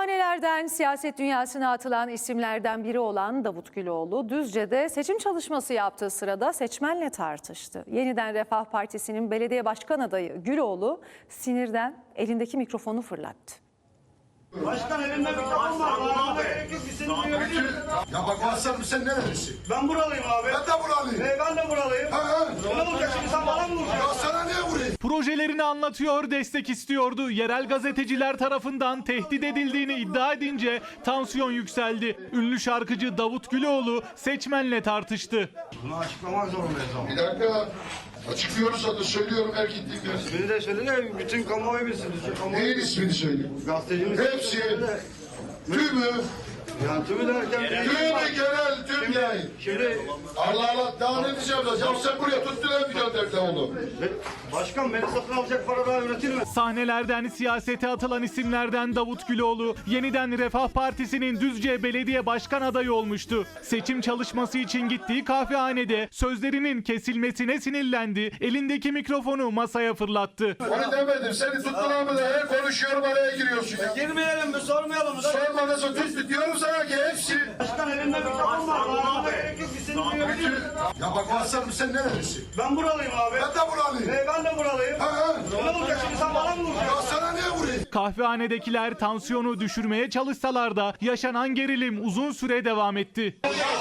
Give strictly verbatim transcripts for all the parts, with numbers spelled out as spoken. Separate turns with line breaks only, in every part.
Kahvehanelerden siyaset dünyasına atılan isimlerden biri olan Davut Güloğlu, Düzce'de seçim çalışması yaptığı sırada seçmenle tartıştı. Yeniden Refah Partisi'nin belediye başkan adayı Güloğlu sinirden elindeki mikrofonu fırlattı.
Başkan elinde mikrofon var. Bağlamada gerek yok. Biz seni duyabiliriz.
Ya bak Aslan sen nerelisin?
Ben buralıyım abi.
Ben de buralıyım.
Ee, ben de buralıyım.
Ha ha.
Ne olacak şimdi, sen bana mı vuracaksın?
Ya sana niye vurayım?
Projelerini anlatıyor, destek istiyordu. Yerel gazeteciler tarafından tehdit edildiğini iddia edince tansiyon yükseldi. Ünlü şarkıcı Davut Güloğlu seçmenle tartıştı.
Bunu açıklamak zorundayız ama.
Bir dakika. Açıklıyoruz zaten söylüyorum her gittiğim yer.
İsmini de söyle de bütün kamuoyu bilsin. Bütün kamuoyu...
Neyin ismini söyleyeyim?
Gazetecimiz...
Hepsi. Tümü.
Yani tümü derken...
Tümü genel tüm yayın.
Şimdi...
Allah Allah daha ne diyeceğim ben? Ya sen buraya tuttun bir gönderdi onu.
Başkan beni satın alacak para daha üretir mi?
Sahnelerden siyasete atılan isimlerden Davut Güloğlu, yeniden Refah Partisi'nin Düzce Belediye Başkan adayı olmuştu. Seçim çalışması için gittiği kahvehanede sözlerinin kesilmesine sinirlendi, elindeki mikrofonu masaya fırlattı.
Onu demedim, seni tuttular mı da her konuşuyorum araya giriyorsun ya.
Girmeyelim mi, sormayalım mı?
Sorma nasıl tut diyorum sana ki hepsi.
Başkan elinde mikrofon var. Bağlamada gerek yok. Biz seni duyabiliriz.
Ya bak Aslan sen nerelisin?
Ben buralıyım abi.
Ben de buralıyım.
Ee, ben de buralıyım.
Ha ha.
Ne olacak şimdi, sen bana mı vuracaksın?
Ya sana niye vurayım?
Kahvehanedekiler tansiyonu düşürmeye çalışsalar da yaşanan gerilim uzun süre devam etti.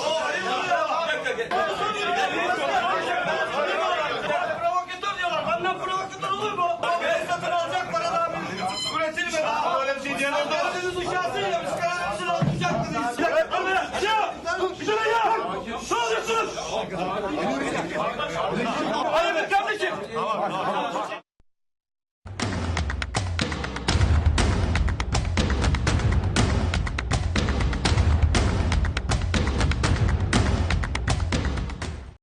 Provokatör diyorlar. Benden provokatör olur mu? Beni satın alacak para daha üretir mi? Böyle bir şey diyen oldu. Siz uçarsın ya, biz kararımızı alacaktınız. Ya! Şuraya ya! Ne oluyorsunuz? Hayır kardeşim!